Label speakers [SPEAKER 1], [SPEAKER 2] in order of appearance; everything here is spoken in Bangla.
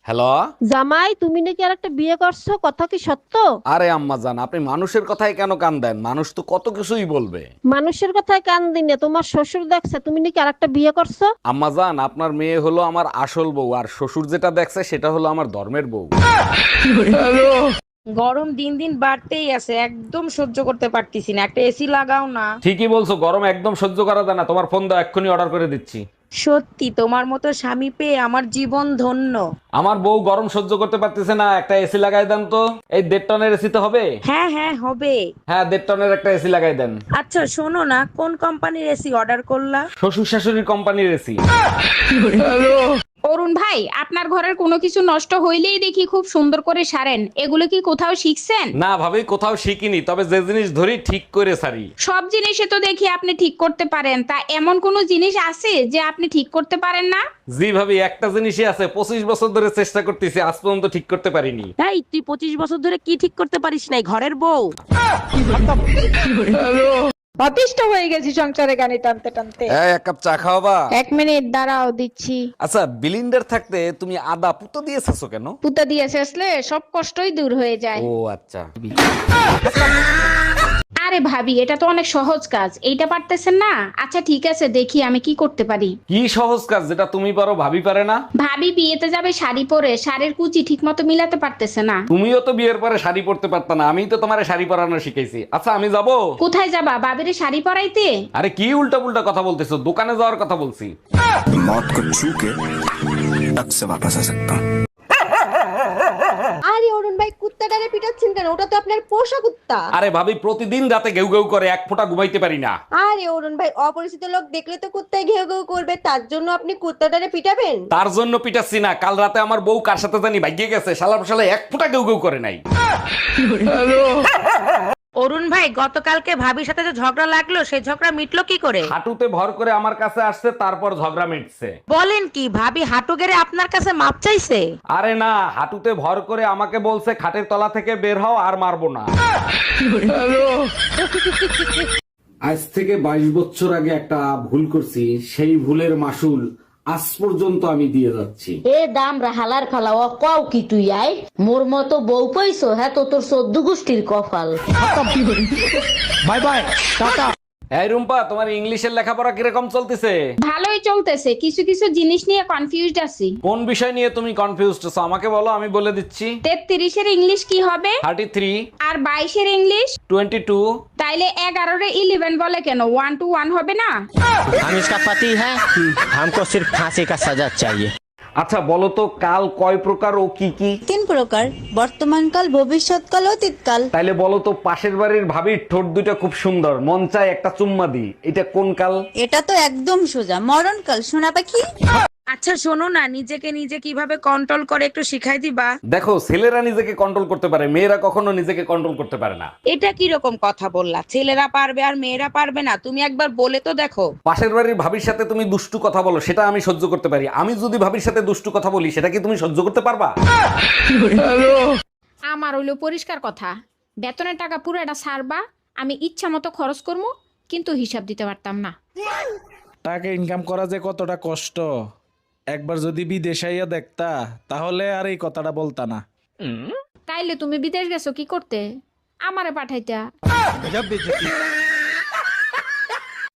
[SPEAKER 1] হ্যালো।
[SPEAKER 2] জামাই, তুমি নাকি আর একটা বিয়ে করছো, কথা কি সত্য?
[SPEAKER 1] আরে আম্মা জান, আপনি মানুষের কথায় কেন কান দেন? মানুষ তো কত কিছুই বলবে।
[SPEAKER 2] মানুষের কথায় কান দিনে তোমার শ্বশুর দেখছে তুমি নাকি আর একটা বিয়ে করছো।
[SPEAKER 1] আম্মা জান, আপনার মেয়ে হলো আমার আসল বউ, আর শ্বশুর যেটা দেখছে সেটা হলো আমার ধর্মের বউ।
[SPEAKER 3] গরম দিন দিন বাড়তেই আছে, একদম সহ্য করতে পারতেছি না, একটা এসি লাগাও না।
[SPEAKER 1] ঠিকই বলছো, গরম একদম সহ্য করা যায় না। তোমার ফোন দাও, এক্ষুনি অর্ডার করে দিচ্ছি।
[SPEAKER 3] সত্যি তোমার মতো স্বামী পেয়ে আমার জীবন ধন্য।
[SPEAKER 1] আমার বউ গরম সহ্য করতে পারতেছে না, একটা এসি লাগাই দেন তো। এই 1.5 টনের এসি তো হবে?
[SPEAKER 3] হ্যাঁ হ্যাঁ হবে।
[SPEAKER 1] হ্যাঁ, 1.5 টনের একটা এসি লাগাই দেন।
[SPEAKER 3] আচ্ছা শোনো না, কোন কোম্পানির এসি অর্ডার করলা?
[SPEAKER 1] শ্বশুর শাশুড়ির কোম্পানির এসি।
[SPEAKER 4] অরুণ ভাই, আপনার ঘরের কোনো কিছু নষ্ট হইলেই দেখি খুব সুন্দর করে সারেন, এগুলো কি কোথাও শিখছেন?
[SPEAKER 1] না ভাবি, কোথাও শিখিনি, তবে যে জিনিস ধরি ঠিক করে সারি।
[SPEAKER 4] সব জিনিসে তো দেখি আপনি ঠিক করতে পারেন, তা এমন কোনো জিনিস আছে যে আপনি ঠিক করতে পারেন না?
[SPEAKER 1] জি ভাবি, একটা জিনিসই আছে, 25 বছর ধরে চেষ্টা করতেছি, আজ পর্যন্ত ঠিক করতে পারিনি।
[SPEAKER 3] এই তুই 25 বছর ধরে কি ঠিক করতে পারিস নাই, ঘরের বউ?
[SPEAKER 5] অতিষ্ঠ হয়ে গেছি সংসারে গানি টানতে টানতে।
[SPEAKER 1] এই, এক কাপ চা খাওয়াবা?
[SPEAKER 5] 1 মিনিট দাঁড়াও, দিচ্ছি।
[SPEAKER 1] আচ্ছা, বিলিন্ডার থাকতে তুমি আদা পুতো দিয়েছো কেন?
[SPEAKER 5] পুতা দিয়ে শেষলে সব কষ্টই দূর হয়ে যায়।
[SPEAKER 1] ও আচ্ছা।
[SPEAKER 4] আরে ভাবি, এটা তো অনেক সহজ কাজ, এইটা পারতেছেন না? আচ্ছা ঠিক আছে, দেখি আমি কি করতে পারি।
[SPEAKER 1] কি সহজ কাজ যেটা তুমি পারো ভাবি পারে না?
[SPEAKER 4] ভাবি বিয়েতে যাবে শাড়ি পরে, শাড়ির কুচি ঠিক মতো মিলাতে পারতেছে না।
[SPEAKER 1] তুমিও তো বিয়ের পরে শাড়ি পরতে পারতা না, আমিই তো তোমারে শাড়ি পরানো শিখাইছি। আচ্ছা, আমি যাব।
[SPEAKER 4] কোথায় যাবা, ভাবিরে শাড়ি পরাইতে?
[SPEAKER 1] আরে কি উল্টা পুল্টা কথা বলতেছো, দোকানে যাওয়ার কথা বলছি।
[SPEAKER 6] मौत को छू के तक से वापस आ सकता हूँ।
[SPEAKER 7] আরে অরুণ ভাই, কুত্তাটারে পিটাচ্ছেন কেন? ওটা তো আপনার পোষা কুত্তা।
[SPEAKER 1] আরে ভাবি, প্রতিদিন রাতে ঘেউ ঘেউ করে, এক ফোঁটা ঘুমাইতে পারি না।
[SPEAKER 7] আরে অরুণ ভাই, অপরিচিত লোক দেখলে তো কুত্তায় ঘেউ ঘেউ করবে, তার জন্য আপনি কুত্তাটারে পিটাবেন?
[SPEAKER 1] তার জন্য পিটাচ্ছি না, কাল রাতে আমার বউ কার সাথে জানি ভাগিয়ে গেছে, শালা শালা এক ফোঁটা ঘেউ ঘেউ করে নাই।
[SPEAKER 3] অরুণ ভাই, গতকালকে ভাবির সাথে যে ঝগড়া লাগলো, সেই ঝগড়া মিটলো কি করে?
[SPEAKER 1] হাঁটুতে ভর করে আমার কাছে আসছে, তারপর ঝগড়া মিটছে।
[SPEAKER 3] বলেন কি, ভাবি হাঁটু গেড়ে আপনার কাছে মাপ চাইছে?
[SPEAKER 1] আরে না, হাঁটুতে ভর করে আমাকে বলছে খাটের তলা থেকে বের হও, আর মারবো না। আজ থেকে 22 বছর আগে একটা ভুল করছি, সেই ভুলের মাসুল আজ পর্যন্ত আমি দিয়ে যাচ্ছি।
[SPEAKER 8] এ দাম রাহালার খালাওয়া কও কি তুই আয় মোর মতো বউ পাইছো, হ্যাঁ তো তোর 14 গোষ্ঠীর কপাল।
[SPEAKER 1] Bye bye, tata. এই রুম্পা, তোমার ইংলিশের লেখাপড়া কিরকম চলতেছে?
[SPEAKER 4] ভালোই চলতেছে, কিছু কিছু জিনিস নিয়ে কনফিউজড আছি।
[SPEAKER 1] কোন বিষয় নিয়ে তুমি কনফিউজড আছো আমাকে বলো, আমি বলে দিচ্ছি।
[SPEAKER 4] 33-এর ইংলিশ কি হবে?
[SPEAKER 1] 33।
[SPEAKER 4] আর 22-এর ইংলিশ?
[SPEAKER 1] 22।
[SPEAKER 4] তাইলে 11-রে 11 বলে কেন? 1 to 1 হবে না?
[SPEAKER 9] हम इसका पति है, हमको सिर्फ फांसी का सजा चाहिए।
[SPEAKER 1] আচ্ছা বলো তো, কাল কয় প্রকার ও কি কি?
[SPEAKER 7] 3 প্রকার: বর্তমানকাল, ভবিষ্যৎকাল, অতীতকাল।
[SPEAKER 1] তাইলে বলো তো, পাশের বাড়ির ভাবির ঠোঁট দুটো খুব সুন্দর, মন চায় একটা চুম্মা দি, এটা কোন কাল?
[SPEAKER 7] এটা তো একদম সোজা, মরণকাল, সোনা পাখি।
[SPEAKER 3] আচ্ছা শোনো না, নিজেকে নিজে কিভাবে কন্ট্রোল করে একটু শিখাই দিবা?
[SPEAKER 1] দেখো, ছেলেরা নিজেকে কন্ট্রোল করতে পারে, মেয়েরা কখনো নিজেকে কন্ট্রোল করতে পারে না।
[SPEAKER 3] এটা কি রকম কথা বললা? ছেলেরা পারবে আর মেয়েরা পারবে না? তুমি একবার বলে তো দেখো।
[SPEAKER 1] পাশের বাড়ির ভাবির সাথে তুমি দুষ্টু কথা বলো, সেটা আমি সহ্য করতে পারি। আমি যদি ভাবির সাথে দুষ্টু কথা বলি, সেটা কি তুমি সহ্য করতে পারবা?
[SPEAKER 4] আমার হইলো পরিষ্কার কথা, বেতনের টাকা পুরোটা ছাড়বা, আমি ইচ্ছা মতো খরচ করবো, কিন্তু হিসাব দিতে পারতাম না।
[SPEAKER 10] টাকা ইনকাম করা যে কতটা কষ্ট, একবার যদি বিদেশাইয়া দেখতা তাহলে আর এই কথাটা বলতা না।
[SPEAKER 4] তাইলে তুমি বিদেশ গেছো কি করতে? আমারে পাঠাইতা।